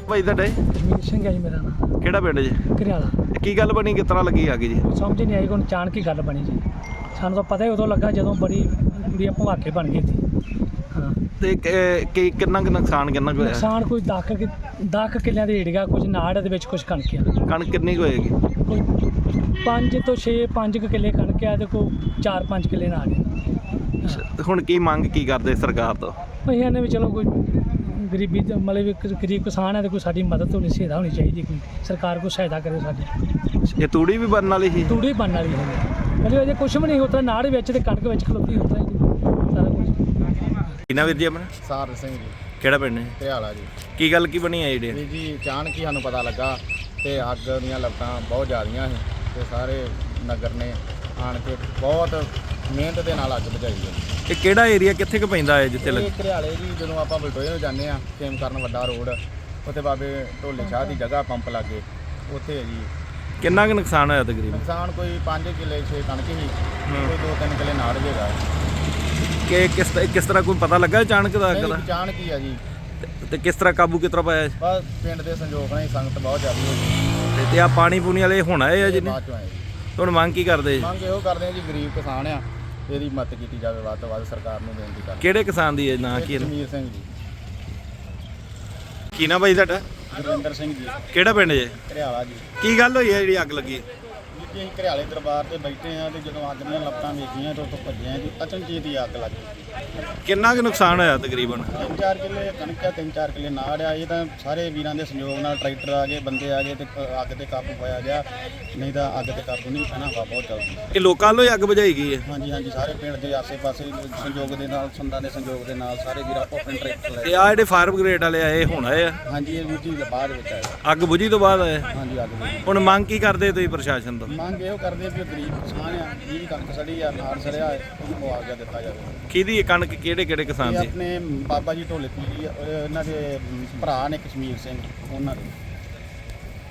ਭਾਈ ਤੁਹਾਡੇ? ਜਮੀਰ ਸਿੰਘ ਹੈ ਜੀ ਮੇਰਾ ਨਾਮ। ਕਿਹੜਾ ਪਿੰਡ ਜੀ? ਘਰਿਆਲਾ। ਕੀ ਗੱਲ ਬਣੀ, ਕਿਸ ਤਰ੍ਹਾਂ ਲੱਗੀ ਅੱਗ ਜੀ? ਸਮਝ ਨਹੀਂ ਆਈ, ਕੋਈ ਅਚਾਨਕ ਹੀ ਗੱਲ ਬਣੀ ਜੀ। ਸਾਨੂੰ ਤਾਂ ਪਤਾ ਹੀ ਉਦੋਂ ਲੱਗਾ ਜਦੋਂ ਬੜੀ ਕੁੜੀਆਂ ਭਵਾਕੇ ਬਣ ਗਈ ਸੀ। ਹਾਂ, ਤੇ ਕਿੰਨਾ ਕੁ ਨੁਕਸਾਨ ਕਿੰਨਾ ਕੁ ਹੋਇਆ? ਨੁਕਸਾਨ ਕੋਈ 10 ਕਿੱਲਿਆਂ ਦੇ ਏੜੀਆ, ਕੁਝ ਨਾੜ ਦੇ ਵਿੱਚ ਕੁਝ ਕਣਕ ਆ। ਕਣਕ ਕਿੰਨੀ ਕੁ ਹੋਏਗੀ? ਕੋਈ 5 ਤੋਂ 5 ਕਿੱਲੇ ਕਣਕ ਆ ਤੇ ਕੋਈ 4-5 ਕਿੱਲੇ ਨਾੜ ਆ। ਤੇ ਹੁਣ ਕੀ ਮੰਗ ਕੀ ਕਰਦੇ ਸਰਕਾਰ ਤੋਂ? ਅਸੀਂ ਇਹਨੇ ਵੀ ਚਲੋ ਕੋਈ ਗਰੀਬੀ ਤੇ ਮਤਲਬ ਇੱਕ ਗਰੀਬ ਕਿਸਾਨ ਹੈ ਤੇ ਕੋਈ ਸਾਡੀ ਮਦਦ ਹੋਣੀ, ਸਹਾਇਤਾ ਹੋਣੀ ਚਾਹੀਦੀ, ਕੋਈ ਸਰਕਾਰ ਕੋਈ ਸਹਾਇਤਾ ਕਰੇ ਸਾਡੀ। ਇਹ ਤੂੜੀ ਵੀ ਬਣਨ ਵਾਲੀ ਸੀ? ਤੂੜੀ ਬਣਨ ਵਾਲੀ ਹੈ ਮਤਲਬ ਅਜੇ ਕੁਛ ਵੀ ਨਹੀਂ ਹੁੰਦਾ, ਨਾੜ ਵਿੱਚ ਤੇ ਕਣਕ ਵਿੱਚ ਖਲੋਤੀ ਹੁੰਦਾ ਜੀ ਸਾਰਾ ਕੁਝ। ਕਿੰਨਾ ਵੀਰ ਜੀ ਆਪਣਾ? ਸਾਰ ਸਿੰਘ ਜੀ, ਕਿਹੜਾ ਪਿੰਡ ਹੈ? ਘਰਿਆਲਾ ਜੀ। ਕੀ ਗੱਲ ਕੀ ਬਣੀ ਹੈ ਜਿਹੜੀ? ਵੀਰ ਜੀ ਅਚਾਨਕ ਹੀ ਸਾਨੂੰ ਪਤਾ ਲੱਗਾ ਤੇ ਅੱਗ ਦੀਆਂ ਲਪਟਾਂ ਬਹੁਤ ਜ਼ਿਆਦੀਆਂ ਸੀ ਤੇ ਸਾਰੇ ਨਗਰ ਨੇ ਆਣ ਕੇ ਬਹੁਤ ਮਿਹਨਤ ਦੇ ਨਾਲ ਅੱਗ ਬੁਝਾਈ ਹੈ। ਇਹ ਕਿਹੜਾ ਏਰੀਆ ਕਿੱਥੇ ਕੁ ਪੈਂਦਾ ਹੈ ਜਿੱਥੇ ਇਹ ਘਰਿਆਲੇ ਜੀ, ਜਦੋਂ ਆਪਾਂ ਬਲਟੋਏ ਨੂੰ ਜਾਂਦੇ ਆ ਖੇਮ ਕਰਨ ਵੱਡਾ ਰੋਡ, ਉੱਥੇ ਬਾਬੇ ਢੋਲੇ ਸ਼ਾਹ ਦੀ ਜਗ੍ਹਾ ਪੰਪ ਲਾਗੇ ਉੱਥੇ ਹੈ ਜੀ। ਕਿੰਨਾ ਕੁ ਨੁਕਸਾਨ ਹੋਇਆ ਤਕਰੀਬਨ? ਨੁਕਸਾਨ ਕੋਈ 5 ਕਿੱਲੇ 6 ਕਣਕ ਸੀ, ਕੋਈ 2-3 ਕਿੱਲੇ ਨਾੜ ਜੇਗਾ। ਕਿ ਕਿਸ ਤਰ੍ਹਾਂ ਕੋਈ ਪਤਾ ਲੱਗਾ ਅਚਾਨਕ ਦਾ ਅੱਗ ਦਾ? ਅਚਾਨਕ ਹੀ ਆ ਜੀ। ਤੇ ਕਿਸ ਤਰ੍ਹਾਂ ਕਾਬੂ ਕਿਸ ਤਰ੍ਹਾਂ ਪਾਇਆ? ਬਸ ਪਿੰਡ ਦੇ ਸੰਯੋਗ ਨਾਲ ਹੀ ਸੰਗਤ ਬਹੁਤ ਜ਼ਿਆਦਾ ਹੋ ਗਈ ਤੇ ਆ ਪਾਣੀ ਪੂਣੀ ਵਾਲੇ ਹੁਣ ਆਏ ਆ ਜਿਹਨੇ? ਬਾਅਦ ਚੋਂ ਆਏ ਜੀ। ਹੁਣ ਮੰਗ ਕੀ ਕਰਦੇ? ਮੰਗ ਇਹੋ ਕਰਦੇ ਆ ਜੀ, ਗਰੀਬ ਕਿਸਾਨ ਆ, ਇਹਦੀ ਮਦਦ ਕੀਤੀ ਜਾਵੇ ਵੱਧ ਤੋਂ ਵੱਧ, ਸਰਕਾਰ ਨੂੰ ਬੇਨਤੀ ਕਰਦੇ। ਕਿਹੜੇ ਕਿਸਾਨ ਦੀ ਹੈ ਨਾਂ ਕੀ? ਜਮੀਰ ਸਿੰਘ ਜੀ। ਕੀ ਨਾ ਬਾਈ ਤੁਹਾਡਾ? ਗੁਰਵਿੰਦਰ ਸਿੰਘ ਜੀ, ਕਿਹੜਾ ਪਿੰਡ ਜੇ? ਘਰਿਆਲਾ ਜੀ। ਕੀ ਗੱਲ ਹੋਈ ਹੈ ਜਿਹੜੀ ਅੱਗ ਲੱਗੀ? ਜੀ ਅਸੀਂ ਘਰਿਆਲੇ ਦਰਬਾਰ ਤੇ ਬੈਠੇ ਆ ਤੇ ਜਦੋਂ ਅੱਗ ਦੀਆਂ ਲਪਟਾਂ ਵੇਖੀਆਂ ਤੇ ਉੱਥੋਂ ਭੱਜੇ ਆ ਜੀ, ਅਚਨਚੇਤ ਹੀ ਅੱਗ ਲੱਗ ਗਈ। ਕਿੰਨਾ ਕੁ ਨੁਕਸਾਨ ਹੋਇਆ ਤਕਰੀਬਨ? 3-4 ਕਿੱਲੇ ਕਣਕ ਆ, 3-4 ਕਿੱਲੇ ਨਾੜ ਆ। ਇਹ ਤਾਂ ਸਾਰੇ ਵੀਰਾਂ ਦੇ ਸੰਯੋਗ ਨਾਲ ਟਰੈਕਟਰ ਆ ਗਏ, ਬੰਦੇ ਆ ਗਏ ਤੇ ਅੱਗ ਤੇ ਕਾਬੂ ਪਾਇਆ ਗਿਆ, ਨਹੀਂ ਤਾਂ ਅੱਗ ਤੇ ਕਾਬੂ ਨਹੀਂ ਪੈਣਾ। ਹਵਾ ਬਹੁਤ ਚੱਲਦੀ। ਇਹ ਲੋਕਾਂ ਵੱਲੋਂ ਹੀ ਅੱਗ ਬੁਝਾਈ ਗਈ ਹੈ? ਹਾਂਜੀ ਹਾਂਜੀ, ਸਾਰੇ ਪਿੰਡ ਦੇ ਆਸੇ-ਪਾਸੇ ਸੰਯੋਗ ਦੇ ਨਾਲ, ਸੰਦਾਂ ਦੇ ਸੰਯੋਗ ਦੇ ਨਾਲ ਸਾਰੇ ਵੀਰ ਆਪੋ ਆਪਣੇ ਟਰੈਕਟਰ ਤੇ ਲੈ। ਆ ਜਿਹੜੇ ਫਾਇਰ ਬ੍ਰਿਗੇਡ ਵਾਲੇ ਆਏ ਹੁਣ ਆਏ ਆ? ਹਾਂਜੀ, ਇਹ ਵੀਰ ਜੀ ਬਾਅਦ ਵਿੱਚ ਆਇਆ। ਅੱਗ ਬੁਝੀ ਤੋਂ ਬਾਅਦ ਆਏ? ਹਾਂਜੀ, ਅੱਗ ਬੁਝੀ। ਹੁਣ ਮੰਗ ਕੀ ਕਰਦੇ ਤੁਸੀਂ ਪ੍ਰਸ਼ਾਸਨ ਤੋਂ? ਮੰਗ ਇਹੋ ਕਰਦੇ ਵੀ ਗਰੀਬ ਕਿਸਾਨ ਆ, ਜਿਹਦੀ ਕਣਕ ਸੜੀ ਆ, ਨਾੜ ਸੜਿਆ, ਉਹਨੂੰ ਮੁਆਵਜ਼ਾ ਦਿੱਤਾ ਜਾਵੇ। ਕਿਹਦੀ ਇਹ ਕਣਕ ਕਿਹੜੇ ਕਿਸਾਨ ਇਹ ਦੀ? ਆਪਣੇ ਬਾਬਾ ਜੀ ਢੋਲੇ ਪੀਰੀ, ਇਹਨਾਂ ਦੇ ਭਰਾ ਨੇ ਕਸ਼ਮੀਰ ਸਿੰਘ, ਉਹਨਾਂ ਦੇ।